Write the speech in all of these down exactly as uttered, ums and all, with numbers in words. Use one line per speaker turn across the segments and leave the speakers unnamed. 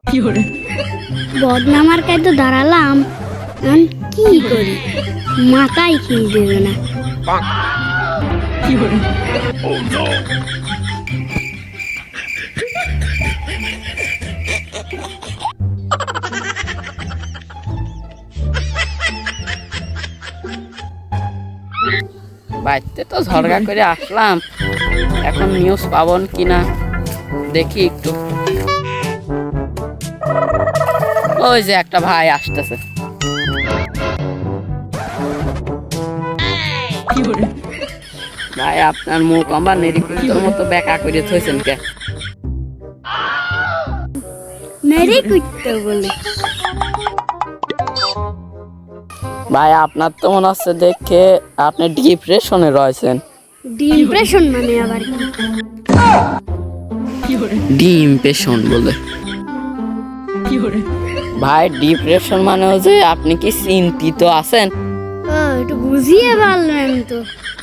বদনামার কাছে তো দাঁড়ালাম, এখন কি করি মাথায় খেয়ে দেবে না।
বাড়িতে তো ঝগড়া করে আসলাম, এখন নিউজ পাবন কিনা দেখি একটু। ওই যে একটা ভাই আসতেছে। ভাই আপনার মুখ আমার নেরিকুটোর মতো বেকা করে থইছেন কে?
মেরে কুটতে বলে
ভাই আপনার তো মনে হচ্ছে দেখে আপনি ডিপ্রেশনে রয়েছেন।
ডিপ্রেশন মানে আবার কি?
ডিপ্রেশন বলে ভাই, ডিপ্রেশন মানে হচ্ছে আপনি কি চিন্তিত আছেন?
ও, একটু বুঝিয়ে বললেন তো।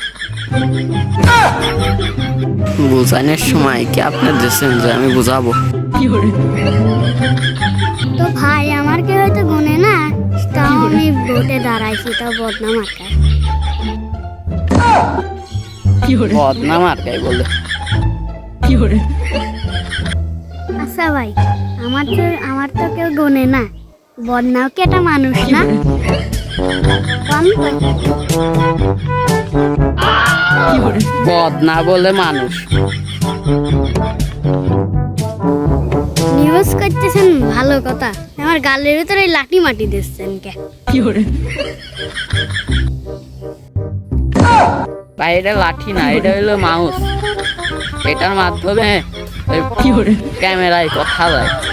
বোঝানোর সময় কি আপনি দিচ্ছেন যে আমি বুঝাবো?
তো ভাই আমার কে হয়তো গুনে না, তাও আমি ভোটে দাঁড়াইছি, তাও বদনাম আটকায়।
বদনাম আর কাই বলে?
আচ্ছা ভাই, আমার তো আমার তো কেউ গুনে না, বদনাম কি একটা মানুষ না? আমি
বদনা বলে মানুষ।
নিউজ করতেছেন ভালো কথা, আমার গালের ভিতরে লাঠি মাটি দিচ্ছেন কে?
ভাই এটা লাঠি না, এটা হলো মাউস। এটার মাধ্যমে ক্যামেরায় কথা যায়।